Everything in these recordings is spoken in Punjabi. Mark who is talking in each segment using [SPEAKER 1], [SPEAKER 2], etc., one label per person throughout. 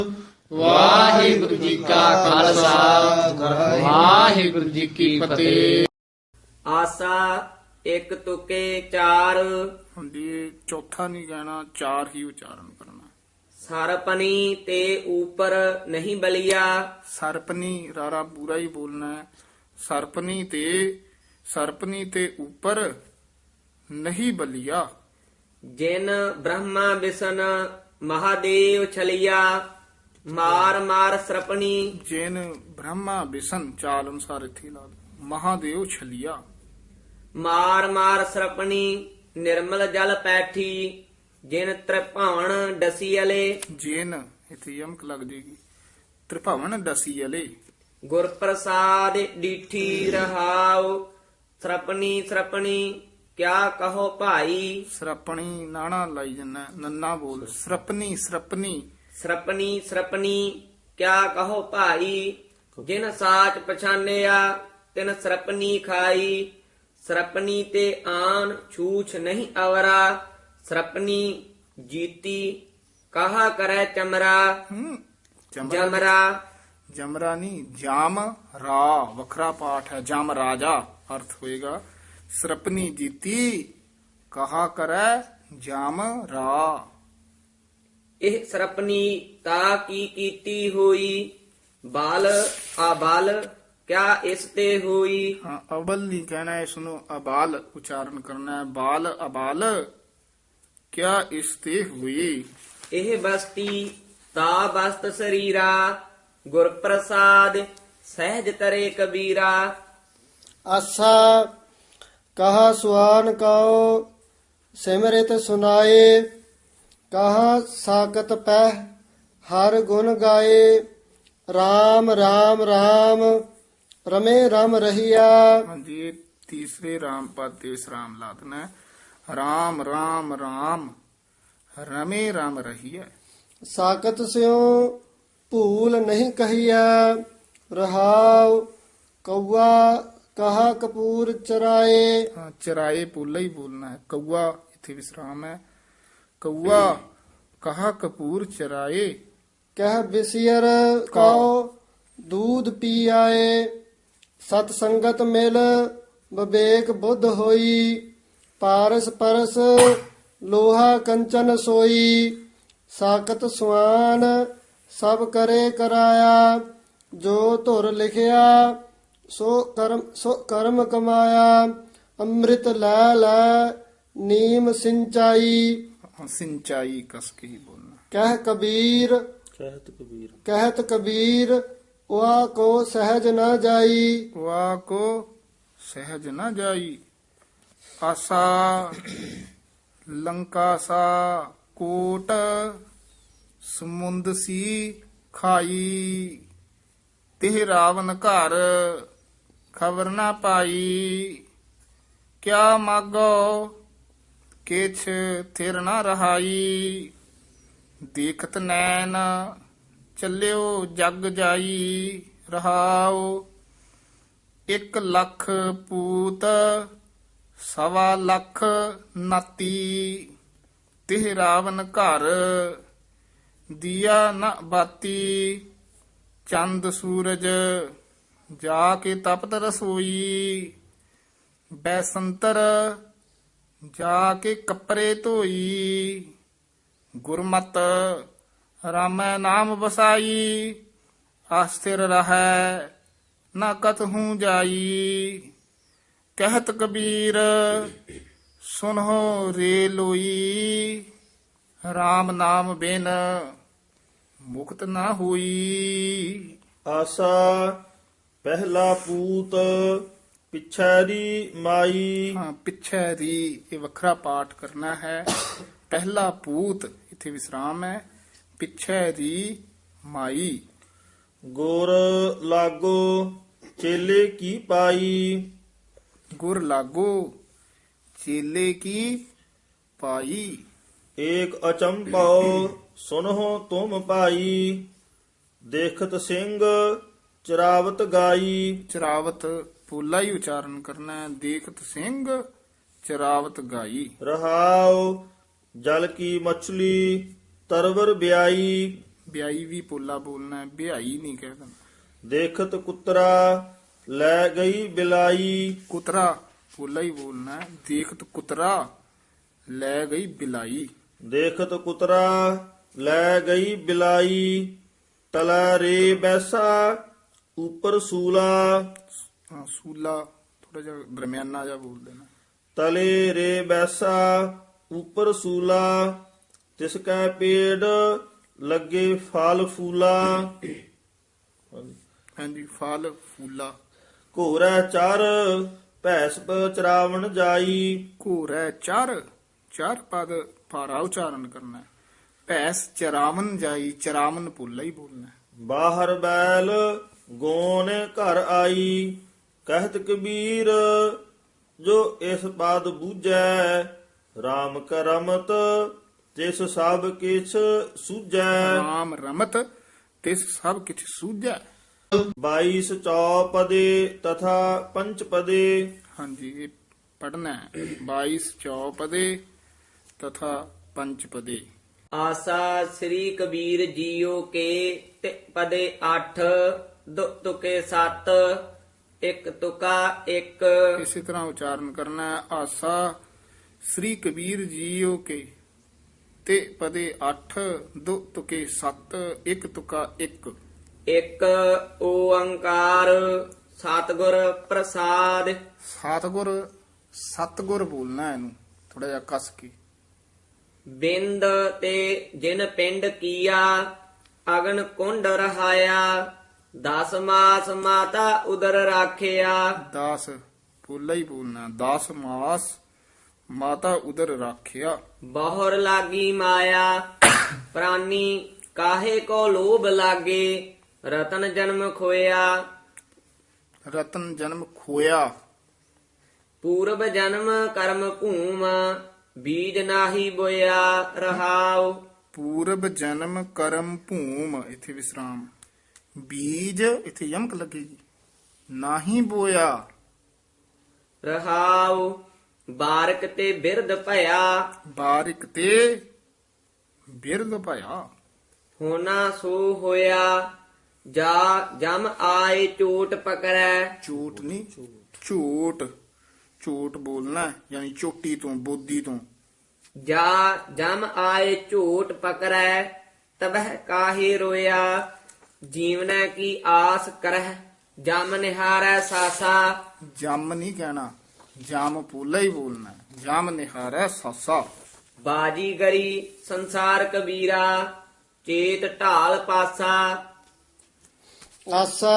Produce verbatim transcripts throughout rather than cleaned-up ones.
[SPEAKER 1] ਵਾਹਿਗੁਰੂ ਜੀ ਕਾ ਖਾਲਸਾ ਵਾਹਿਗੁਰੂ ਜੀ ਕੀ ਫਤਿਹ।
[SPEAKER 2] ਆਸਾ ਇੱਕ ਤੁਕੇ ਚਾਰ,
[SPEAKER 3] ਹਾਂਜੀ ਇਹ ਚੌਥਾ ਨਹੀਂ ਕਹਿਣਾ, ਚਾਰ ਹੀ ਉਚਾਰਨ ਕਰਨਾ।
[SPEAKER 2] ਸਰਪਨੀ ਤੇ ਉਪਰ ਨਹੀਂ ਬਲਿਆ,
[SPEAKER 3] ਸਰਪਨੀ ਰਾਰਾ ਪੂਰਾ ਹੀ ਬੋਲਣਾ ਹੈ। ਸਰਪਨੀ ਤੇ ਸਰਪਨੀ ਤੇ ਉੱਪਰ ਨਹੀਂ ਬਲਿਆ।
[SPEAKER 2] ਜਿਨ ਬ੍ਰਹਮਾ ਵਿਸ਼ਨ ਮਹਾਦੇਵ ਛਲਿਆ, ਮਾਰ ਮਾਰ ਸਰਪਣੀ
[SPEAKER 3] ਜੈਨ ਬ੍ਰਹਮਾ ਵਿਸ਼ਨ ਚਾਲ ਅਨੁਸਾਰ ਇੱਥੇ ਲਾ ਦਿਓ। ਮਹਾਦੇਵ ਛਲਿਆ।
[SPEAKER 2] ਮਾਰ ਮਾਰ ਸਰਪਣੀ ਨਿਰਮਲ ਜਲ ਪੈਠੀ, ਜਿਨ ਤ੍ਰਿਭਾਵਨ ਡਸੀ ਅਲੇ,
[SPEAKER 3] ਜੈਨ ਇੱਥੇ ਯਮਕ ਲੱਗ ਜੇਗੀ। ਤ੍ਰਿਭਵਨ ਦਸੀ ਅਲੇ।
[SPEAKER 2] ਗੁਰ ਪ੍ਰਸਾਦ ਡੀਠੀ ਰਹਾਉ, ਸਰਪਣੀ ਸਰਪਣੀ ਕਿਆ ਕਹੋ ਭਾਈ,
[SPEAKER 3] ਸਰਪਣੀ ਨਾਣਾ ਲਾਈ ਜੰਨਾ ਨੰਨਾ ਬੋਲ। ਸਰਪਨੀ ਸਰਪਨੀ
[SPEAKER 2] ਸਰਪਣੀ ਸਰਪਣੀ ਕਿਆ ਕਹੋ ਭਾਈ, ਜਿਨ ਸਾਚ ਪਛਾਨਿਆ ਤਿਨ ਸਰਪਣੀ ਖਾਈ, ਸਰਪਣੀ ਤੇ ਆਨ ਛੂਛ ਨਹੀਂ ਅਵਰਾ, ਸਰਪਣੀ ਜੀਤੀ ਕਹਾ ਕਰੈ ਚਮਰਾ,
[SPEAKER 3] ਹੂੰ ਜਮਰਾ
[SPEAKER 2] ਜਮਰਾ
[SPEAKER 3] ਜਮਰਾ ਨਹੀਂ ਜਾਮ ਰਾ ਵੱਖਰਾ ਪਾਠ ਹੈ। ਜਮ ਰਾਜਾ ਅਰਥ ਹੋਏਗਾ। ਸਰਪਨੀ ਜੀਤੀ ਕਹਾ ਕਰੈ ਜਾਮ ਰਾ।
[SPEAKER 2] ਇਹ ਸਰਪਣੀ ਤਾ ਕੀ ਕੀਤੀ ਹੋਈ, ਬਾਲ ਆਬਾਲ ਕਿਆ ਇਸ ਤੇ ਹੋਈ,
[SPEAKER 3] ਹਾਂ ਅਬਲ ਨਹੀਂ ਕਹਿਣਾ, ਇਸ ਨੂੰ ਅਬਾਲ ਉਚਾਰਨ ਕਰਨਾ ਹੈ। ਬਾਲ ਅਬਾਲ ਕਿਆ ਇਸ ਤੇ ਹੋਈ।
[SPEAKER 2] ਇਹ ਬਸਤੀ ਤਾ ਬਸਤ ਸਰੀਰਾ, ਗੁਰ ਪ੍ਰਸਾਦ ਸਹਿਜ ਤਰੇ ਕਬੀਰਾ,
[SPEAKER 4] ਆਸਾ ਕਹਾ ਸੁਆਨ ਕਉ ਸਿਮਰਿਤ ਸੁਨਾਏ, ਕਹਾ ਸਾਕਤ ਪਹਿ ਹਰ ਗੁਣ ਗਾਏ, RAM RAM RAM ਰਮੇ ਰਮ ਰਹੀਆ।
[SPEAKER 3] ਹਾਂਜੀ ਇਹ ਤੀਸਰੇ ਰਾਮ ਪਦ ਤੇ ਵਿਸਰਾਮ ਲਾ ਦੇਣਾ ਹੈ। ਰਾਮ ਰਾਮ ਰਾਮ ਰਮੇ ਰਾਮ ਰਹੀ ਹੈ।
[SPEAKER 4] ਸਾਕਤ ਸਿਉ ਭੂਲ ਨਹੀਂ ਕਹੀਆ, ਰਹਾਉ ਕਊਆ ਕਹਾ ਕਪੂਰ ਚਰਾਏ,
[SPEAKER 3] ਹਾਂ ਚਰਾਏ ਪੋਲਾ ਹੀ ਬੋਲਣਾ ਹੈ। ਕਊਆ ਇੱਥੇ ਵਿਸਰਾਮ ਹੈ। ਕਊਆ ਕਹਾ ਕਪੂਰ ਚਰਾਏ।
[SPEAKER 4] ਕਹਿ ਬਿਸਿਅਰ ਕਉ ਦੂਧ ਪੀ ਆਏ, ਸਤ ਸੰਗਤ ਮਿਲ ਵਿਵੇਕ ਬੁੱਧ ਹੋਈ, ਪਾਰਸ ਪਰਸ ਲੋਹਾ ਕੰਚਨ ਸੋਈ, ਸਾਕਤ ਸੁਆਨ ਸਭ ਕਰੇ ਕਰਾਇਆ, ਜੋ ਧੁਰ ਲਿਖਿਆ ਸੋ ਕਰਮ ਸੋ ਕਰਮ ਕਮਾਇਆ, ਅੰਮ੍ਰਿਤ ਲੈ ਲੈ ਨੀਮ ਸਿੰਚਾਈ,
[SPEAKER 3] ਹਾਂ, ਸਿੰਚਾਈ ਕਸ ਕੇ ਹੀ ਬੋਲਣਾ।
[SPEAKER 4] ਕਹਿ ਕਬੀਰ ਕਹਿਤ ਕਬੀਰ ਵਾ ਕੋ ਸਹਿਜ ਨਾ ਜਾਈ,
[SPEAKER 3] ਵਾ ਕੋ ਸਹਿਜ ਨਾ ਜਾਈ। ਆਸਾ ਲੰਕਾ ਸਾ ਕੋਟ ਸਮੁੰਦ ਸੀ ਖਾਈ, ਤਿਹ ਰਾਵਨ ਘਰ ਖਬਰ ਨਾ ਪਾਈ, ਕਿਆ ਮਾਗੋ ਕਿਛ ਥਿਰ ਨਾ ਰਹਾਈ, ਦੇਖਤ ਨੈਣ ਚੱਲਿਓ ਜਗ ਜਾਈ, ਰਹਾਉ ਇੱਕ ਲੱਖ ਪੂਤ ਸਵਾ ਲੱਖ ਨਾਤੀ, ਤਿਹ ਰਾਵਨ ਘਰ ਦੀਆ ਨ ਬਾਤੀ, ਚੰਦ ਸੂਰਜ ਜਾ ਕੇ ਤਪਤ ਰਸੋਈ, ਬੈਸੰਤਰ ਜਾ ਕੇ ਕੱਪੜੇ ਧੋਈ, ਗੁਰਮਤ ਰਾਮੈ ਨਾਮ ਵਸਾਈ, ਆਸਥਿਰ ਰਹੈ ਨਾ ਕਤਹੂ ਜਾਈ, ਕਹਿਤ ਕਬੀਰ ਸੁਨਹੁ ਰੇ ਲੋਈ, RAM ਨਾਮ ਬਿਨ ਮੁਕਤ ਨਾ ਹੋਈ।
[SPEAKER 5] ਆਸਾ ਪਹਿਲਾ ਪੂਤ ਪਿਛੈਰੀ ਮਾਈ,
[SPEAKER 3] ਹਾਂ ਪਿੱਛੇ ਦੀ ਇਹ ਵੱਖਰਾ ਪਾਠ ਕਰਨਾ ਹੈ। ਪਹਿਲਾ ਪੂਤ ਇੱਥੇ ਵਿਸਰਾਮ ਹੈ। ਪਿੱਛੇ ਦੀ ਮਾਈ।
[SPEAKER 5] ਗੁਰ ਲਾਗੋ ਚੇਲੇ ਕੀ ਪਾਈ,
[SPEAKER 3] ਗੁਰ ਲਾਗੋ ਚੇਲੇ ਕੀ ਪਾਈ,
[SPEAKER 5] ਏਕ ਅਚੰਭਉ ਸੁਨਹੁ ਤੁਮ ਪਾਈ, ਦੇਖਤ ਸਿੰਘ ਚਰਾਵਤ ਗਾਈ।
[SPEAKER 3] ਚਰਾਵਤ ਪੋਲਾ ਹੀ ਉਚਾਰਨ ਕਰਨਾ ਹੈ। ਦੇਖਤ ਸਿੰਘ ਚਰਾਵਤ ਗਾਈ।
[SPEAKER 5] ਰਹਾਉ ਜਲ ਕੀ ਮਛਲੀ ਤਰਵਰ ਬਿਆਈ,
[SPEAKER 3] ਵਿਆਈ ਵੀ ਪੋਲਾ ਬੋਲਣਾ ਹੈ, ਵਿਆਈ ਨਹੀਂ ਕਹਿਣਾ।
[SPEAKER 5] ਦੇਖਤ ਕੁਤਰਾ ਲੈ ਗਈ ਬਿਲਾਈ,
[SPEAKER 3] ਕੁਤਰਾ ਪੋਲਾ ਹੀ ਬੋਲਣਾ ਹੈ। ਦੇਖਤ ਕੁਤਰਾ ਲੈ ਗਈ ਬਿਲਾਈ।
[SPEAKER 5] ਦੇਖਤ ਕੁਤਰਾ ਲੈ ਗਈ ਬਿਲਾਈ, ਤਲਾ ਰੇ ਬੈਸਾ ਉਪਰ ਸੂਲਾ,
[SPEAKER 3] ਹਾਂ, ਸੂਲਾ ਥੋੜਾ ਜਿਹਾ ਦਰਮਿਆਨਾ ਜਿਹਾ ਬੋਲ ਦੇਣਾ।
[SPEAKER 5] ਤਲੇ ਰੇ ਬੈਸਾ ਉਪਰ ਸੂਲਾ, ਤਿਸ ਕੈ ਪੇੜ ਲੱਗੇ ਫਲ ਫੂਲਾ।
[SPEAKER 3] ਹਾਂਜੀ, ਫਲ ਫੂਲਾ।
[SPEAKER 5] ਘੋਰੈ ਚਰ ਭੈਸ ਚਰਾਵਣ ਜਾਈ,
[SPEAKER 3] ਘੋਰੈ ਚਰ, ਚਾਰ ਪਦ ਭਾਰਾ ਉਚਾਰਨ ਕਰਨਾ ਹੈ। ਭੈਸ ਚਰਾਵਨ ਜਾਈ, ਚਰਾਵਨ ਪੋਲਾ ਹੀ ਬੋਲਣਾ ਹੈ।
[SPEAKER 5] ਬਾਹਰ ਬੈਲ ਗੋਨ ਘਰ ਆਈ, ਕਹਿਤ ਕਬੀਰ ਜੋ ਇਸ ਪਦ ਬੂਝੈ, RAM ਕਰਮਤ ਤਿਸ ਸਭ ਕਿਛ ਸੂਝੈ।
[SPEAKER 3] ਰਾਮ ਰਮਤ ਤਿਸ ਸਭ ਕਿਛ ਸੂਝੈ।
[SPEAKER 5] ਬਾਈਸ ਚੌਪਦੇ ਤਥਾ ਪੰਚ ਪਦੇ,
[SPEAKER 3] ਹਾਂਜੀ, ਇਹ ਪੜਨਾ ਹੈ। ਬਾਈਸ ਚੌਪਦੇ ਤਥਾ ਪੰਚ ਪਦੇ।
[SPEAKER 2] ਆਸਾ ਸ੍ਰੀ ਕਬੀਰ ਜੀਓ ਕੇ ਤੇ ਪਦੇ ਅੱਠ, ਦੋ ਤੁਕੇ ਸੱਤ, ਇੱਕ ਤੁਕਾ ਇੱਕ।
[SPEAKER 3] ਇਸੇ ਤਰ੍ਹਾਂ ਉਚਾਰਨ ਕਰਨਾ ਹੈ। ਆਸਾ ਸ੍ਰੀ ਕਬੀਰ ਜੀਓ ਕੇ ਤੇ ਪਦੇ ਅੱਠ, ਦੋ ਤੁਕੇ ਸੱਤ, ਇੱਕ ਤੁਕਾ ਇੱਕ।
[SPEAKER 2] ਇੱਕ ਓੰਕਾਰ ਸਤਿਗੁਰ ਪ੍ਰਸਾਦ,
[SPEAKER 3] ਸਤਿਗੁਰ ਸਤਿਗੁਰ ਬੋਲਣਾ ਹੈ ਇਹਨੂੰ ਥੋੜਾ ਜਿਹਾ ਕੱਸ ਕੇ।
[SPEAKER 2] ਬਿੰਦ ਤੇ ਜਿਨ ਪਿੰਡ ਕੀਆ, ਅਗਨ ਕੁੰਡ ਰਹਾਇਆ, ਦਸ ਮਾਸ ਮਾਤਾ ਉਦਰ ਰਾਖਿਆ।
[SPEAKER 3] ਦਾਸ ਪੋਲਾ ਹੀ ਬੋਲਣਾ। ਦਸ ਮਾਸ ਮਾਤਾ ਉਦਰ ਰਾਖਿਆ।
[SPEAKER 2] ਬਹੁਰ ਲਾਗੀ ਮਾਇਆ, ਪ੍ਰਾਨੀ ਕਾਹੇ ਕੋ ਲੋਭ ਲਾਗੇ, ਰਤਨ ਜਨਮ ਖੋਇਆ।
[SPEAKER 3] ਰਤਨ ਜਨਮ ਖੋਇਆ।
[SPEAKER 2] ਪੂਰਬ ਜਨਮ ਕਰਮ ਭੂਮ, ਬੀਜ ਨਾਹੀ ਬੋਇਆ ਰਹਾਉ।
[SPEAKER 3] ਪੂਰਬ ਜਨਮ ਕਰਮ ਭੂਮ, ਇੱਥੇ ਵਿਸਰਾਮ। ਬੀਜ ਇੱਥੇ ਯਮਕ ਲੱਗੇਗੀ। ਨਾਹੀ ਬੋਇਆ
[SPEAKER 2] ਰਹਾਉ। ਬਾਰਕ ਤੇ ਬਿਰਧ ਭਇਆ,
[SPEAKER 3] ਬਾਰਿਕ ਤੇ ਬਿਰਧ ਭਇਆ।
[SPEAKER 2] ਹੋਣਾ ਸੋ ਹੋਇਆ, ਜਾ ਜਮ ਆਏ ਝੂਟ ਪਕੜੈ।
[SPEAKER 3] ਝੂਠ ਨਹੀਂ, ਝੂਠ ਝੂਠ ਬੋਲਣਾ ਹੈ, ਯਾਨੀ ਚੋਟੀ ਤੋਂ, ਬੋਦੀ ਤੋਂ।
[SPEAKER 2] ਜਾ ਜਮ ਆਏ ਝੂਟ ਪਕੜੈ, ਤਬਹਿ ਕਾਹੇ ਰੋਇਆ। ਜੀਵਨੈ ਕੀ ਆਸ ਕਰਹਿ, ਜਮ ਨਿਹਾਰੈ ਸਾਸਾ।
[SPEAKER 3] ਜਮ ਨਹੀਂ ਕਹਿਣਾ, ਜਮ ਪੋਲਾ ਹੀ ਬੋਲਣਾ ਹੈ। ਜਮ ਨਿਹਾਰੈ ਸਾਸਾ।
[SPEAKER 2] ਬਾਜੀਗਰੀ ਸੰਸਾਰ ਕਬੀਰਾ, ਚੇਤ ਢਾਲ ਪਾਸਾ।
[SPEAKER 4] ਆਸਾ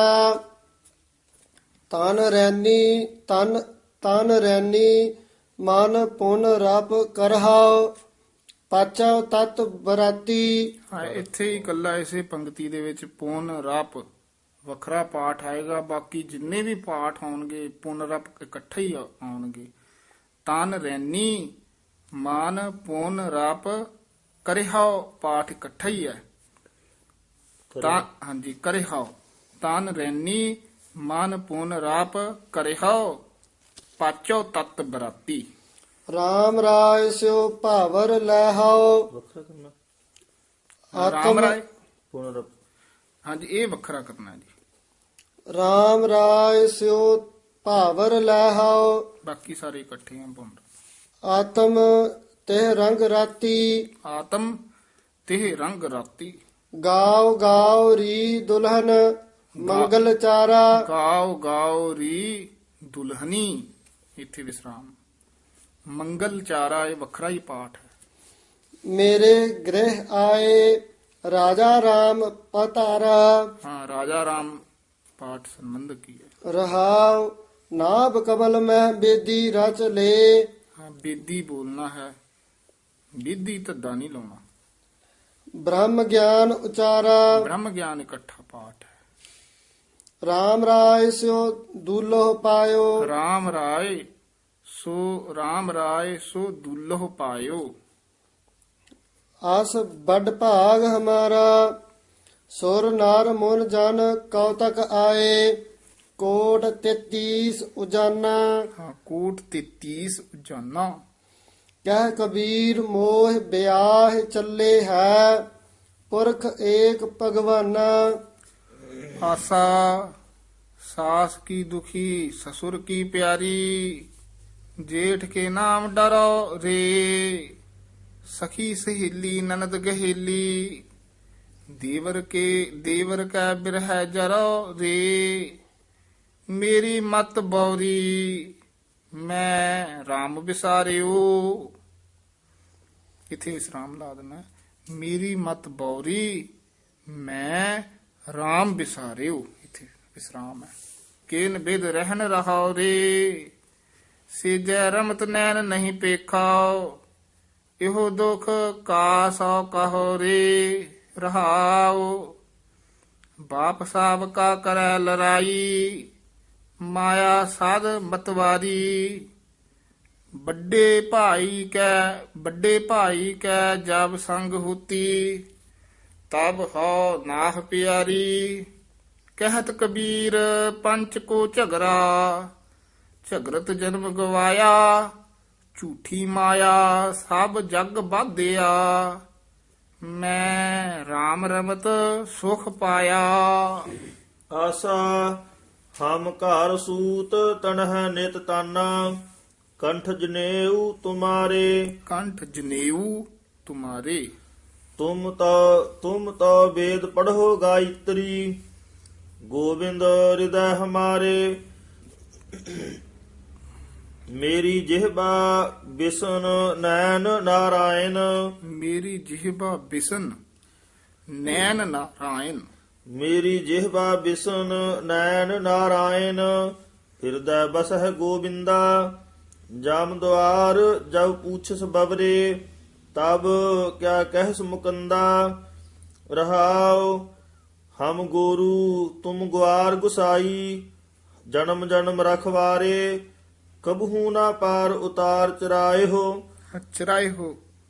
[SPEAKER 4] ਤਨ ਰੈਨੀ, ਤਨ ਤਨ ਰੈਨੀ, ਮਨ ਪੁਨ ਰਪ ਕਰਹਾਉ, ਪਾਚਾ ਤਤ ਬਰਾਤੀ।
[SPEAKER 3] ਹਾਂ, ਇੱਥੇ ਹੀ ਇਕੱਲਾ ਇਸੇ ਪੰਕਤੀ ਦੇ ਵਿੱਚ ਪੁਨ ਰਪ ਵੱਖਰਾ ਪਾਠ ਆਏਗਾ। ਬਾਕੀ ਜਿੰਨੇ ਵੀ ਪਾਠ ਆਉਣਗੇ ਪੁਨ ਰਪ ਇਕੱਠੇ ਹੀ ਆ- ਆਉਣਗੇ। ਤਨ ਰੈਨੀ, ਮਨ ਪੁਨ ਰਪ ਕਰਿਹਾਉ, ਪਾਠ ਇਕੱਠਾ ਹੀ ਹੈ। ਤਾਂ ਹਾਂਜੀ, ਕਰਿਹਾਉ। ਤਨ ਰੈਨੀ, ਮਨ ਪੁਨ ਰਪ ਕਰਿਹਾਉ, ਪਾਚੋ ਤਤ ਬਰਾਤੀ।
[SPEAKER 4] RAM ਰਾਇ ਸਿਓ ਭਾਵਰ ਲੈਹਾਓ,
[SPEAKER 5] ਵੱਖਰਾ ਕਰਨਾ
[SPEAKER 3] ਰਾਮ
[SPEAKER 4] ਆਤਮ
[SPEAKER 3] ਰਾਏ,
[SPEAKER 5] ਪੁਨਰ
[SPEAKER 3] ਹਾਂਜੀ, ਇਹ ਵੱਖਰਾ ਕਰਨਾ ਜੀ।
[SPEAKER 4] RAM ਰਾਇ ਸਿਓ ਭਾਵਰ ਲੈਹਾਓ,
[SPEAKER 3] ਬਾਕੀ ਸਾਰੇ ਇਕੱਠੇ ਆ। ਪੁਨ
[SPEAKER 4] ਆਤਮ ਤੇ ਰੰਗ ਰਾਤੀ,
[SPEAKER 3] ਆਤਮ ਤੇ ਰੰਗ ਰਾਤੀ।
[SPEAKER 4] ਗਾਓ ਗਾਓ ਰੀ ਦੁਲਹਨ, ਮੰਗਲ ਚਾਰਾ।
[SPEAKER 3] ਗਾਓ ਗਾਓ ਰੀ ਦੁਲਹਨੀ, ਇੱਥੇ ਵਿਸਰਾਮ। ਮੰਗਲ ਚਾਰਾ, ਇਹ ਵੱਖਰਾ ਹੀ ਪਾਠ ਹੈ।
[SPEAKER 4] ਮੇਰੇ ਗ੍ਰਹਿ ਆਏ, ਰਾਜਾ ਰਾਮ ਪਤਾਰਾ।
[SPEAKER 3] ਹਾਂ, ਰਾਜਾ ਰਾਮ ਪਾਠ ਸੰਬੰਧਕ ਕੀ ਹੈ।
[SPEAKER 4] ਰਹਾਉ ਨਾਭ ਕਮਲ ਮਹਿ ਬੇਦੀ ਰਚ ਲੈ,
[SPEAKER 3] ਹਾਂ, ਬੇਦੀ ਬੋਲਣਾ ਹੈ। ਬੇਦੀ ਧੱਦਾ ਨਹੀਂ ਲਾਉਣਾ।
[SPEAKER 4] ਬ੍ਰਹਮ ਗਿਆਨ ਉਚਾਰਾ।
[SPEAKER 3] ਬ੍ਰਹਮ ਗਿਆਨ ਇਕੱਠਾ ਪਾਠ ਹੈ।
[SPEAKER 4] RAM ਰਾਇ ਸਿਓ ਦੁਲਹ ਪਾਇਓ,
[SPEAKER 3] ਰਾਮ ਰਾਏ ਸੋ ਰਾਮ ਰਾਏ ਸੋ ਦੁਲਹ ਪਾਇਓ।
[SPEAKER 4] ਆਸ ਵੱਡ ਭਾਗ ਹਮਾਰਾ, ਸੁਰ ਨਰ ਮੁਨ ਜਨ ਕਉਤਕ ਆਏ, ਕੋਟ ਤੇਤੀਸ ਉਜਾਨਾ।
[SPEAKER 3] ਹਾਂ, ਕੋਟ ਤੇਤੀਸ ਉਜਾਨਾ।
[SPEAKER 4] ਕਹਿ ਕਬੀਰ ਮੋਹ ਬਿਆਹ ਚੱਲੇ ਹੈ, ਪੁਰਖ ਏਕ ਭਗਵਾਨਾ।
[SPEAKER 3] ਆਸਾ सास की दुखी ससुर की प्यारी, जेठ के नाम डरो रे, सखी सहेली ननद गहेली, देवर के देवर का बिरह जरो रे, मेरी मत बौरी मैं राम बिसारियो। इथे विश्राम ला देना। मेरी मत बौरी मैं राम बिसारियो, इथे विश्राम है। केन बिद रहन रहाओ रे, सेजै रमत नैन नहीं पेखाओ, इहो दुख का सौ कहो रे रहाओ। बाप साब का करे लड़ाई, माया साध मतवारी, बड़े भाई कै बड़े भाई कै जब संग होती, तब हो नाह प्यारी। कहत कबीर पंच को झगड़ा, झगरत जन्म गवाया, झूठी माया सब जग बाधिया, मैं राम रमत सुख पाया।
[SPEAKER 5] ਆਸਾ ਹਮ ਘਰ ਸੂਤ ਤਨਹ ਨਿਤ ਤਾਨਾ, ਕੰਠ ਜਨੇਊ ਤੁਮਾਰੇ।
[SPEAKER 3] कंठ जनेऊ तुम्हारे,
[SPEAKER 5] ਤੁਮ ਤੋ ਤੁਮ ਤੋ ਵੇਦ ਪੜ੍ਹੋ ਗਾਇਤਰੀ, ਗੋਬਿੰਦ ਹਿਰਦੈ ਹਮਾਰੇ। ਮੇਰੀ ਜਿਹਬਾ ਬਿਸਨ ਨੈਣ ਨਾਰਾਇਣ,
[SPEAKER 3] मेरी जिह्वा बिसन नैन नारायण।
[SPEAKER 5] ਮੇਰੀ ਜਿਹਬਾ ਬਿਸਨ ਨੈਣ ਨਾਰਾਇਣ, ਹਿਰਦੈ ਬਸਹਿ ਗੋਬਿੰਦਾ। ਜਮ ਦੁਆਰ ਜਬ ਪੂਛਸ ਬਵਰੇ, ਤਬ ਕਿਆ ਕਹਿਸ ਮੁਕੰਦਾ। ਰਹਾਉ ਹਮ ਗੋਰੂ ਤੁਮ ਗੁਆਰ ਗੁਸਾਈ, ਜਨਮ ਜਨਮ ਰਖਵਾਰੇ। ਕਬਹੂ ਨਾ ਪਾਰ ਉਤਾਰ ਚਰਾਏ ਹੋ।
[SPEAKER 3] चराए हो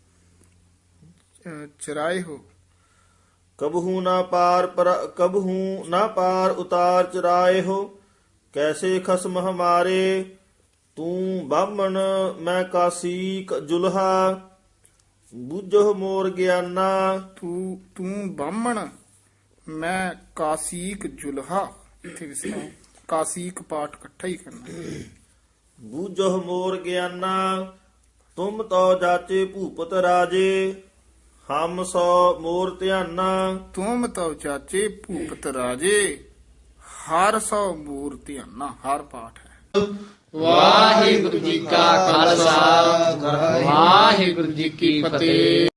[SPEAKER 3] अ, चराए हो
[SPEAKER 5] ਕਬਹੂ ਨਾ ਪਾਰ ਪਰ ਕਬਹੂ ਨਾ ਪਾਰ ਉਤਾਰ ਚਰਾਏ ਹੋ। ਕੈਸੇ ਖਸਮ ਹਮਾਰੇ, ਤੂੰ ਬਾਹਮਣ ਮੈਂ ਕਾਸੀਕ ਜੁਲਹਾ। ਬੁੱਝੋ ਮੋਰ ਗਿਆਨਾ।
[SPEAKER 3] तू तू बामण मैं कासीक जुल्हा। इथे विश्राम। कासीक पाठ इकट्ठा ही करना।
[SPEAKER 5] ਬੂਝੋ ਮੋਰ ਗਿਆਨਾ। ਤੁਮ ਤੋ ਜਾਚੇ ਭੂਪਤ ਰਾਜੇ, ਹਮ ਸੋ ਮੋਰ ਧਿਆਨਾ।
[SPEAKER 3] तुम तो चाचे भूपत राजे, हर सौ मूर्ति अन्ना। हर पाठ है।
[SPEAKER 1] ਵਾਹਿਗੁਰੂ ਜੀ ਕਾ ਖਾਲਸਾ ਵਾਹਿਗੁਰੂ ਜੀ ਕੀ ਫਤਿਹ।